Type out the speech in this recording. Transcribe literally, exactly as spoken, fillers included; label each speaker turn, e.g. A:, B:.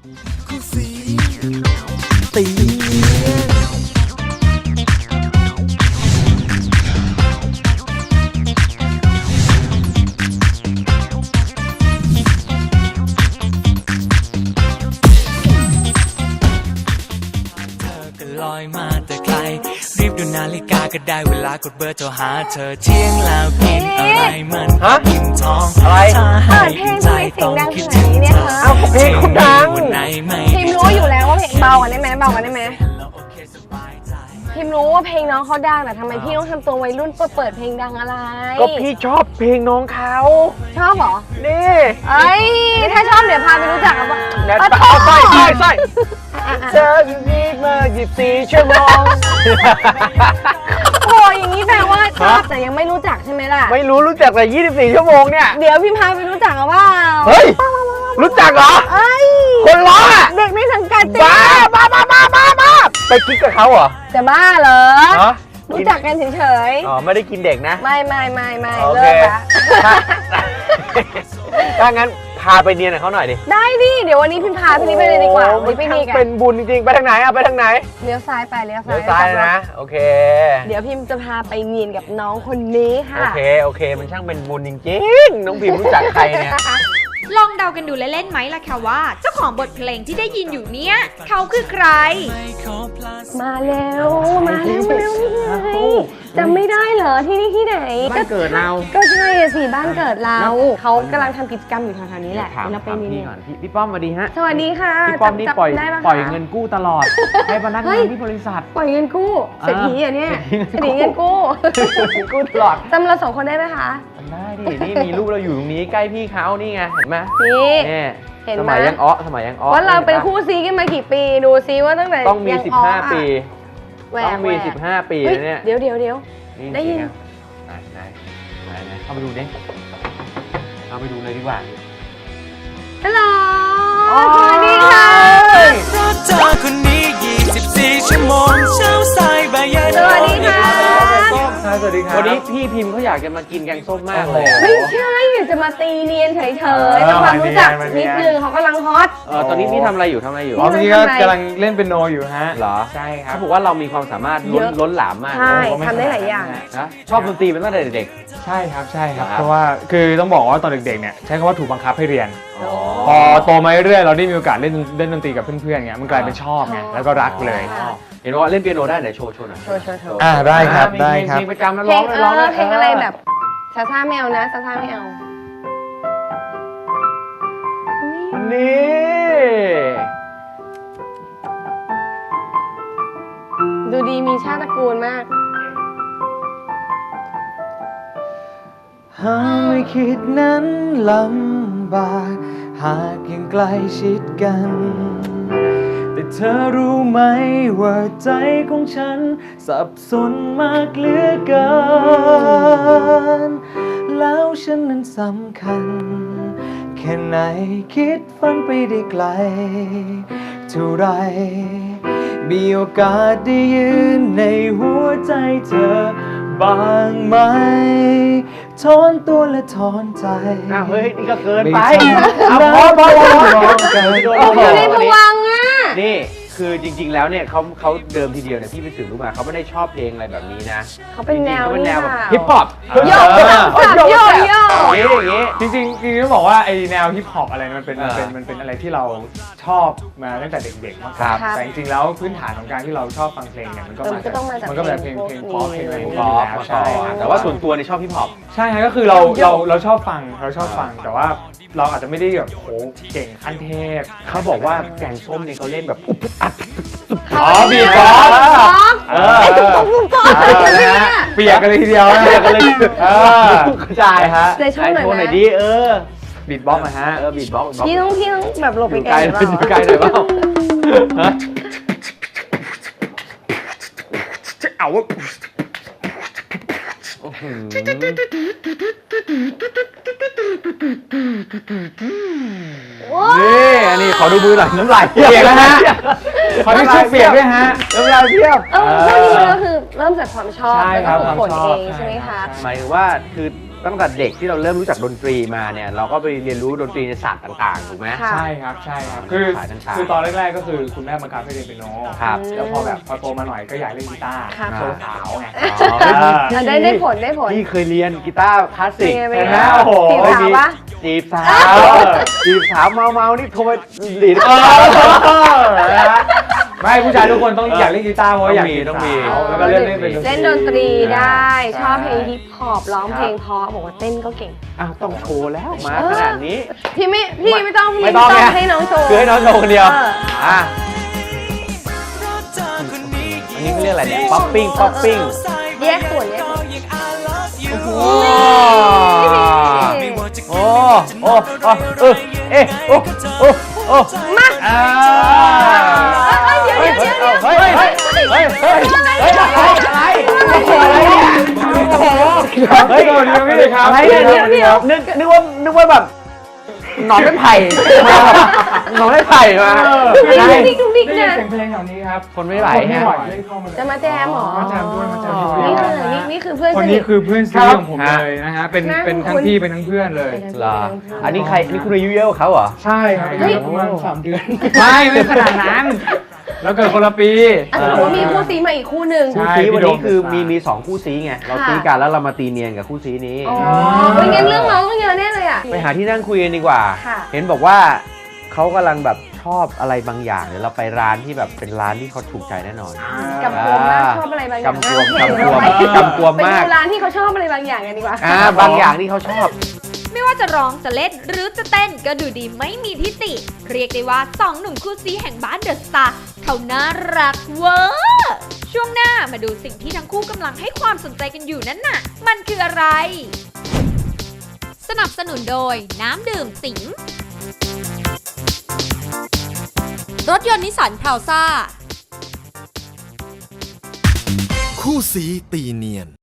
A: คู่สีตีลอยมาแต่ไกลรีบดูนาฬิกาก็ได้เวลากดเบอร์โทรหาเธอเที่ยงแล้วกินอะไรมันกินท้องอะไรถ้าให้ใจต้องคิดถึงเธอเอาเพลงคุณดังพิมรู้อยู่แล้วว่าเพลงเบากันได้ไหมเบากันได้ไหมพิมรู้ว่าเพลงน้องเขาดังแต่ทำไมพี่ต้องทำตัววัยรุ่นเปิดเปิดเพลงดังอะไร
B: ก็พี่ชอบเพลงน้องเขา
A: ชอบเหรอ
B: นี่
A: เอ้ยถ้าชอบเดี๋ยวพาไปรู้จักกันว่า
B: ใส่ใส่ใส่เธออยู่นี่มายี่สิบสี่ชั่วโมง
A: โอ้ยอย่างนี้แปลว่าชอบแต่ยังไม่รู้จักใช่ไหมล่ะ
B: ไม่รู้รู้จักแต่ยี่สิบสี่ชั่วโมงเนี่ย
A: เดี๋ยวพี่พาไปรู้จักกันว่า
B: เฮ้ยรู้จักเหรอคนล้อ
A: เด็กในสังกัด
B: บ้าบ้าบ้าบ้าบ้าบ้าไปกิ๊กกับเขาเหรอ
A: จะบ้าเหรอรู้จักกันเฉย
B: ๆอ๋อไม่ได้กินเด็กนะ
A: ไม่ไม่ไม่ไม่เลิกละ
B: ถ้างั้นพาไปเนียนกับเขาหน่อยดิ
A: ได้ดิเดี๋ยววันนี้พิมพาพี่นี่ไปเลยดีกว่าวันนี้ไปนี่กัน
B: เป็นบุญจริงๆไปทางไหนอะไปทางไหน
A: เลี้ยวซ้ายไปเลี้ยวซ้าย
B: เลี้ยวซ้ายนะโอเค
A: เดี๋ยวพิมจะพาไปเนียนกับน้องคนนี้ค่ะ
B: โอเคโอเคมันช่างเป็นบุญจริงๆน้องพิมรู้จักใครเนี่ย
C: ลองเดากันดูเล่นๆไหมล่ะค่ะว่าเจ้าของบทเพลงที่ได้ยินอยู่เนี้ยเขาคือใคร
A: มาแล้วมาแล้วมาแล้วนี่ไงจำไม่ได้เหรอที่นี่ที่ไหน
B: บ้านเกิดเรา
A: ก็ใช่สิบ้านเกิดเราเขากำลังทำกิจกรรมอยู่แถวๆนี้แหละเราไปนี่
B: ก่อนพี่ป้อมสวัสดีฮะ
A: สวัสดีค่ะ
B: พี่ป้อมนี่ปล่อยปล่อยเงินกู้ตลอดให้พนักงานที่บริษัท
A: ปล่อยเงินกู้เศรษฐีอ่ะเนี่ยเศรษฐีเงินกู้
B: กู้ตลอด
A: จำเราสองคนได้ไหมคะ
B: ได้ดินี่มีรูปเราอยู่ตรงนี้ใกล้พี่เขานี่ไงเห็นไหม
A: นี่
B: เห็นไหมสมัยยังอ้อสมัยยังอ้อ
A: ว่าเราเป็นคู่ซีกันมากี่ปีดูซิว่าตั้งแต่
B: ต้องมีสิบห้าปีต้องมีสิบห้าปีเนี่ย
A: เดี๋ยวเดี๋ยวเดี๋ยวได้ยิน
B: ไหนไหนไหนไหนเข้าไปดูดิเข้าไปดูเลยดีกว่า
A: ฮัลโหลสวัสดีค่ะ
D: เพราะเธอคนนี้ยี่สิบสี่ชั่วโมงเช้าสายบ่ายเย็น
A: สวัสดีค่ะ
B: สวัสดีครับวันนี้พี่พิมพ์เขาอยากจะมากินแกงส้มมากเลย
A: ไม่ใช่อยากจะมาตีเนียนเฉยๆทำความรู้จักนิดนึงเขากำลังฮอต
B: เออตอนนี้พี่ทำอะไรอยู่ทำอะไรอยู่
E: อ๋อพี่ก็กำลังเล่นเปียโนอยู่ฮะ
B: เหรอ
E: ใช่ครับ
B: เขาบอกว่าเรามีความสามารถล้นล้นหลามมาก
A: ใช่ทำได้หลายอย่าง
B: นะชอบดนตรีเป็นตั้งแต่เด็ก
E: ใช่ครับใช่ครับเพราะว่าคือต้องบอกว่าตอนเด็กๆเนี่ยใช้คำว่าถูกบังคับให้เรียนพอโตมาเรื่อยๆเราได้มีโอกาสเล่นเล่นดนตรีกับเพื่อนๆเงี้ยมันกลายเป็นชอบไงแล้วก็รักเลย
B: เห็นว่าเล่นเปียโนได้ไหนโชว์โชว์หน่อย
A: โชว์โชว์โชว์
E: อ่าได้ครับได้ครับ
B: เพลงประจำแล้วร้องร้อง
A: เพลงอะไรแบบซาซ่าไม่เอานะซาซ่าไม่เอา
B: นี่
A: ดูดีมีชาติตระกูลมาก
D: หากไม่คิดนั้นลำบากหากยังใกล้ชิดกันแต่เธอรู้ไหมว่าใจของฉันสับสนมากเหลือเกินแล้วฉันนั้นสำคัญแค่ไหนคิดฝันไปได้ไกลเท่าไรมีโอกาสได้ยืนในหัวใจเธอบางไหมถอนตัวและถอนใจ
B: อ้าวเฮ้ยนี่ก็เกินไป
D: เอาพอพอพอ
A: อยู่ในภวังค์อ่ะ
B: นี่คือจริงๆแล้วเนี่ยเขาเขาเดิมทีเดียวเนี่ยพี่ไปสืบรู้มาเขาไม่ได้ชอบเพลงอะไรแบบนี้นะ
A: เขาเป็นแนว
B: เขาเป็นแนวแบบฮิปฮอป
A: โยกโยกโยกโยก
B: อย่างนี้
E: จริงจริงจริงต้องบอกว่าไอแนวฮิปฮอปอะไรมันเป็นมันเป็นมันเป็นอะไรที่เราชอบมาตั้งแต่เด็กๆมากแต่จริงๆแล้วพื้นฐานของการที่เราชอบฟังเพลงเนี่ยมันก็มาจากมันก็เป็นเพลงเพลงป๊อปเพลงอะไรพวกนี้แล้วใช่
B: แต่ว่าส่วนตัวเนี่ยชอบฮิปฮอป
E: ใช่ก็คือเราเราเราชอบฟังเราชอบฟังแต่ว่าเราอาจจะไม่ได้แบบโหเก่งขั้นเทพ
B: เขาบอกว่าแกงส้มเนี่ยเขาเล่นแบบอัด
E: อ๋อบีบอส
A: ไอ้ตุ๊กตุ๊กตุ๊กตุ๊ก
E: เปียกกันเลยทีเดียว
B: เปียกกันเลยเออกระจายฮะ
A: ในช่วงไหน
B: ดีเออ
E: บีบบ็อกนะฮะ
B: เออบีบบ็อก
A: พี่ต้องพี่ต้องแบบหลบไปไกล
B: หน่อยไกลหน่อยเปล่า
E: เอาวะ
B: นี่อันนี้ขอดูมือหน่อยน้ำลาย
E: เปียกแล้วฮะขอดูชุดเปียกด้วยฮะ
B: น้ำลายเพียบ
A: เออพวกนี้ก็คือเริ่มจากความชอบแล้วก็ฝึกฝนเองใช่ไหมคะ
B: หมายถึงว่าคือตั้งแต่เด็กที่เราเริ่มรู้จักดนตรีมาเนี่ยเราก็ไปเรียนรู้ดนตรีในศาสตร์ต่างๆถูกไหม
C: ค่ะ
E: ใช่ครับใช่ครับคือ
B: สายต่างๆ
E: คือตอนแรกๆก็คือคุณแม่บังคับให้เรียนเปียโน
B: ครับ
E: แล้วพอแบบพอโตมาหน่อยก็อยากเล่นกีตาร์
C: ครับ
E: โชว์สาวไง
B: อ๋อ
C: อ่ะได้ได้ผลได้ผล
B: พี่เคยเรียนกีตาร์คลาสสิก
C: เป็นไง
B: ใช่ไหม
E: โอ้โห
C: จีบสาวปะ
B: จีบสาวจีบสาวเมาเมาๆนี่โทรไปดีด
E: เออนะฮะไม่ผู้ชายทุกคนต้องอยากเล่นกีตาร์เพราะว่าอยากจีบ
B: ต้องมี
E: สาวแล้วก็เล่นเล่นเป็น
C: เล่นดนตรีได้
E: ใช่
C: ชอบเพลงฮิปฮอปร้องเพลงเพราะบอกว่าเต้นก็เก่ง
B: อ้าวต้องโชว์แล้วมาขนาดนี้
C: พี่ไม่พี่ไม่ต้องพี่
B: ไม่ต้องไง
C: ให้น้องโชว์
B: คือให้น้องโชว์คนเดียว
C: เออ
B: อ่ะอันนี้เขาเรียกอะไรเนี่ยป๊อปปิ้งป๊อปปิ้ง
C: แยกส่วนแยกส่วน
B: โอ้โอ้โอ้โอ้เออเอ๊ะโอ้โอ้โอ้
C: มา
B: อ่า
C: เดี๋ยวเดี๋ยวเดี๋ยวเดี๋ยว
B: เฮ้ยเฮ้ยเฮ้ยเฮ้ยเฮ้ยอะไรอะไรอะไรเนี่ยโอ้โห
E: เฮ้ยสวัสดีครับพี่ครับ
B: อะไรเนี่ยนึกนึกว่านึกว่าแบบหนอนไม้ไผ่มาแบบหนอนไม้ไผ่มา
C: ดุก
B: ใช่
C: ดิกดุกดิกดุกดิก
E: ได้ยิน
C: นะ
E: เสียงเพลงแถวนี้ครับ
B: คนไม่ไหว
E: คนไม่
B: ฮะ
E: ไหวเล่นเข้ามาเลย
C: จะมาแจมเหรอ
E: มาแจมด้วยมาแจมด้วย
C: นี่คือนี่นี่คือเพื่อน
E: คน
C: สนิ
E: นี้
C: ท
E: คือเพื่อนซีของผมเลยนะฮะ เป็น
C: น่า
E: เป็นทั้ง
C: คุ้น
E: พี่เป็นทั้งเพื่อนเลย
B: เหรออันนี้ใครนี่คุณอายุเยอะกว่าเขาเหรอ
E: ใช่ครับ
C: เฮ้ย
E: ประมาณสามเดือน ไม่ไม่ขนาดนั้น แล้วเกิดคนละปี
C: อ่ะแต่ว่ามีคู่ซีมาอีกคู่หนึ่ง
E: ใช่
B: คู่ซีวันนี้คือ
E: พี่
B: มี
E: โดม
B: มีสองคู่ซีไงเรา
C: ค่ะ
B: ซีกันแล้วเรามาตีเนียนกับคู่ซีนี้
C: อ๋อเป็นงั้นเรื่องน้องต้องเยอะแน่เลยอ่ะ
B: ไปหาที่นั่งคุยกันดีกว่า
C: ค่ะ
B: เห็นบอกว่าเขากำลังแบบชอบอะไรบางอย่างเดี๋ยวเราไปร้านที่แบบเป็นร้านที่เขาถูกใจแน่นอน
C: กำกวมมากชอบอะไรบางอย่าง
B: กำกวม
C: มาก
B: กำกวม
C: ไป
B: กำกวมมาก
C: ไปดูร้านที่เขาชอบอะไรบางอย่างกันดีกว่า
B: อ่าบางอย่างที่เขาชอบ
C: ไม่ว่าจะร้องจะเล่นหรือจะเต้นก็ดูดีไม่มีทิฏฐิเรียกได้ว่าสองหนุ่มคู่ซีแห่งบ้านเดอะสตาร์เขาน่ารักเวอร์ช่วงหน้ามาดูสิ่งที่ทั้งคู่กำลังให้ความสนใจกันอยู่นั้นน่ะ มันคืออะไร สนับสนุนโดยน้ำดื่มสิงรถยนต์นิสสันพราวซ่า
F: คู่สีตีเนียน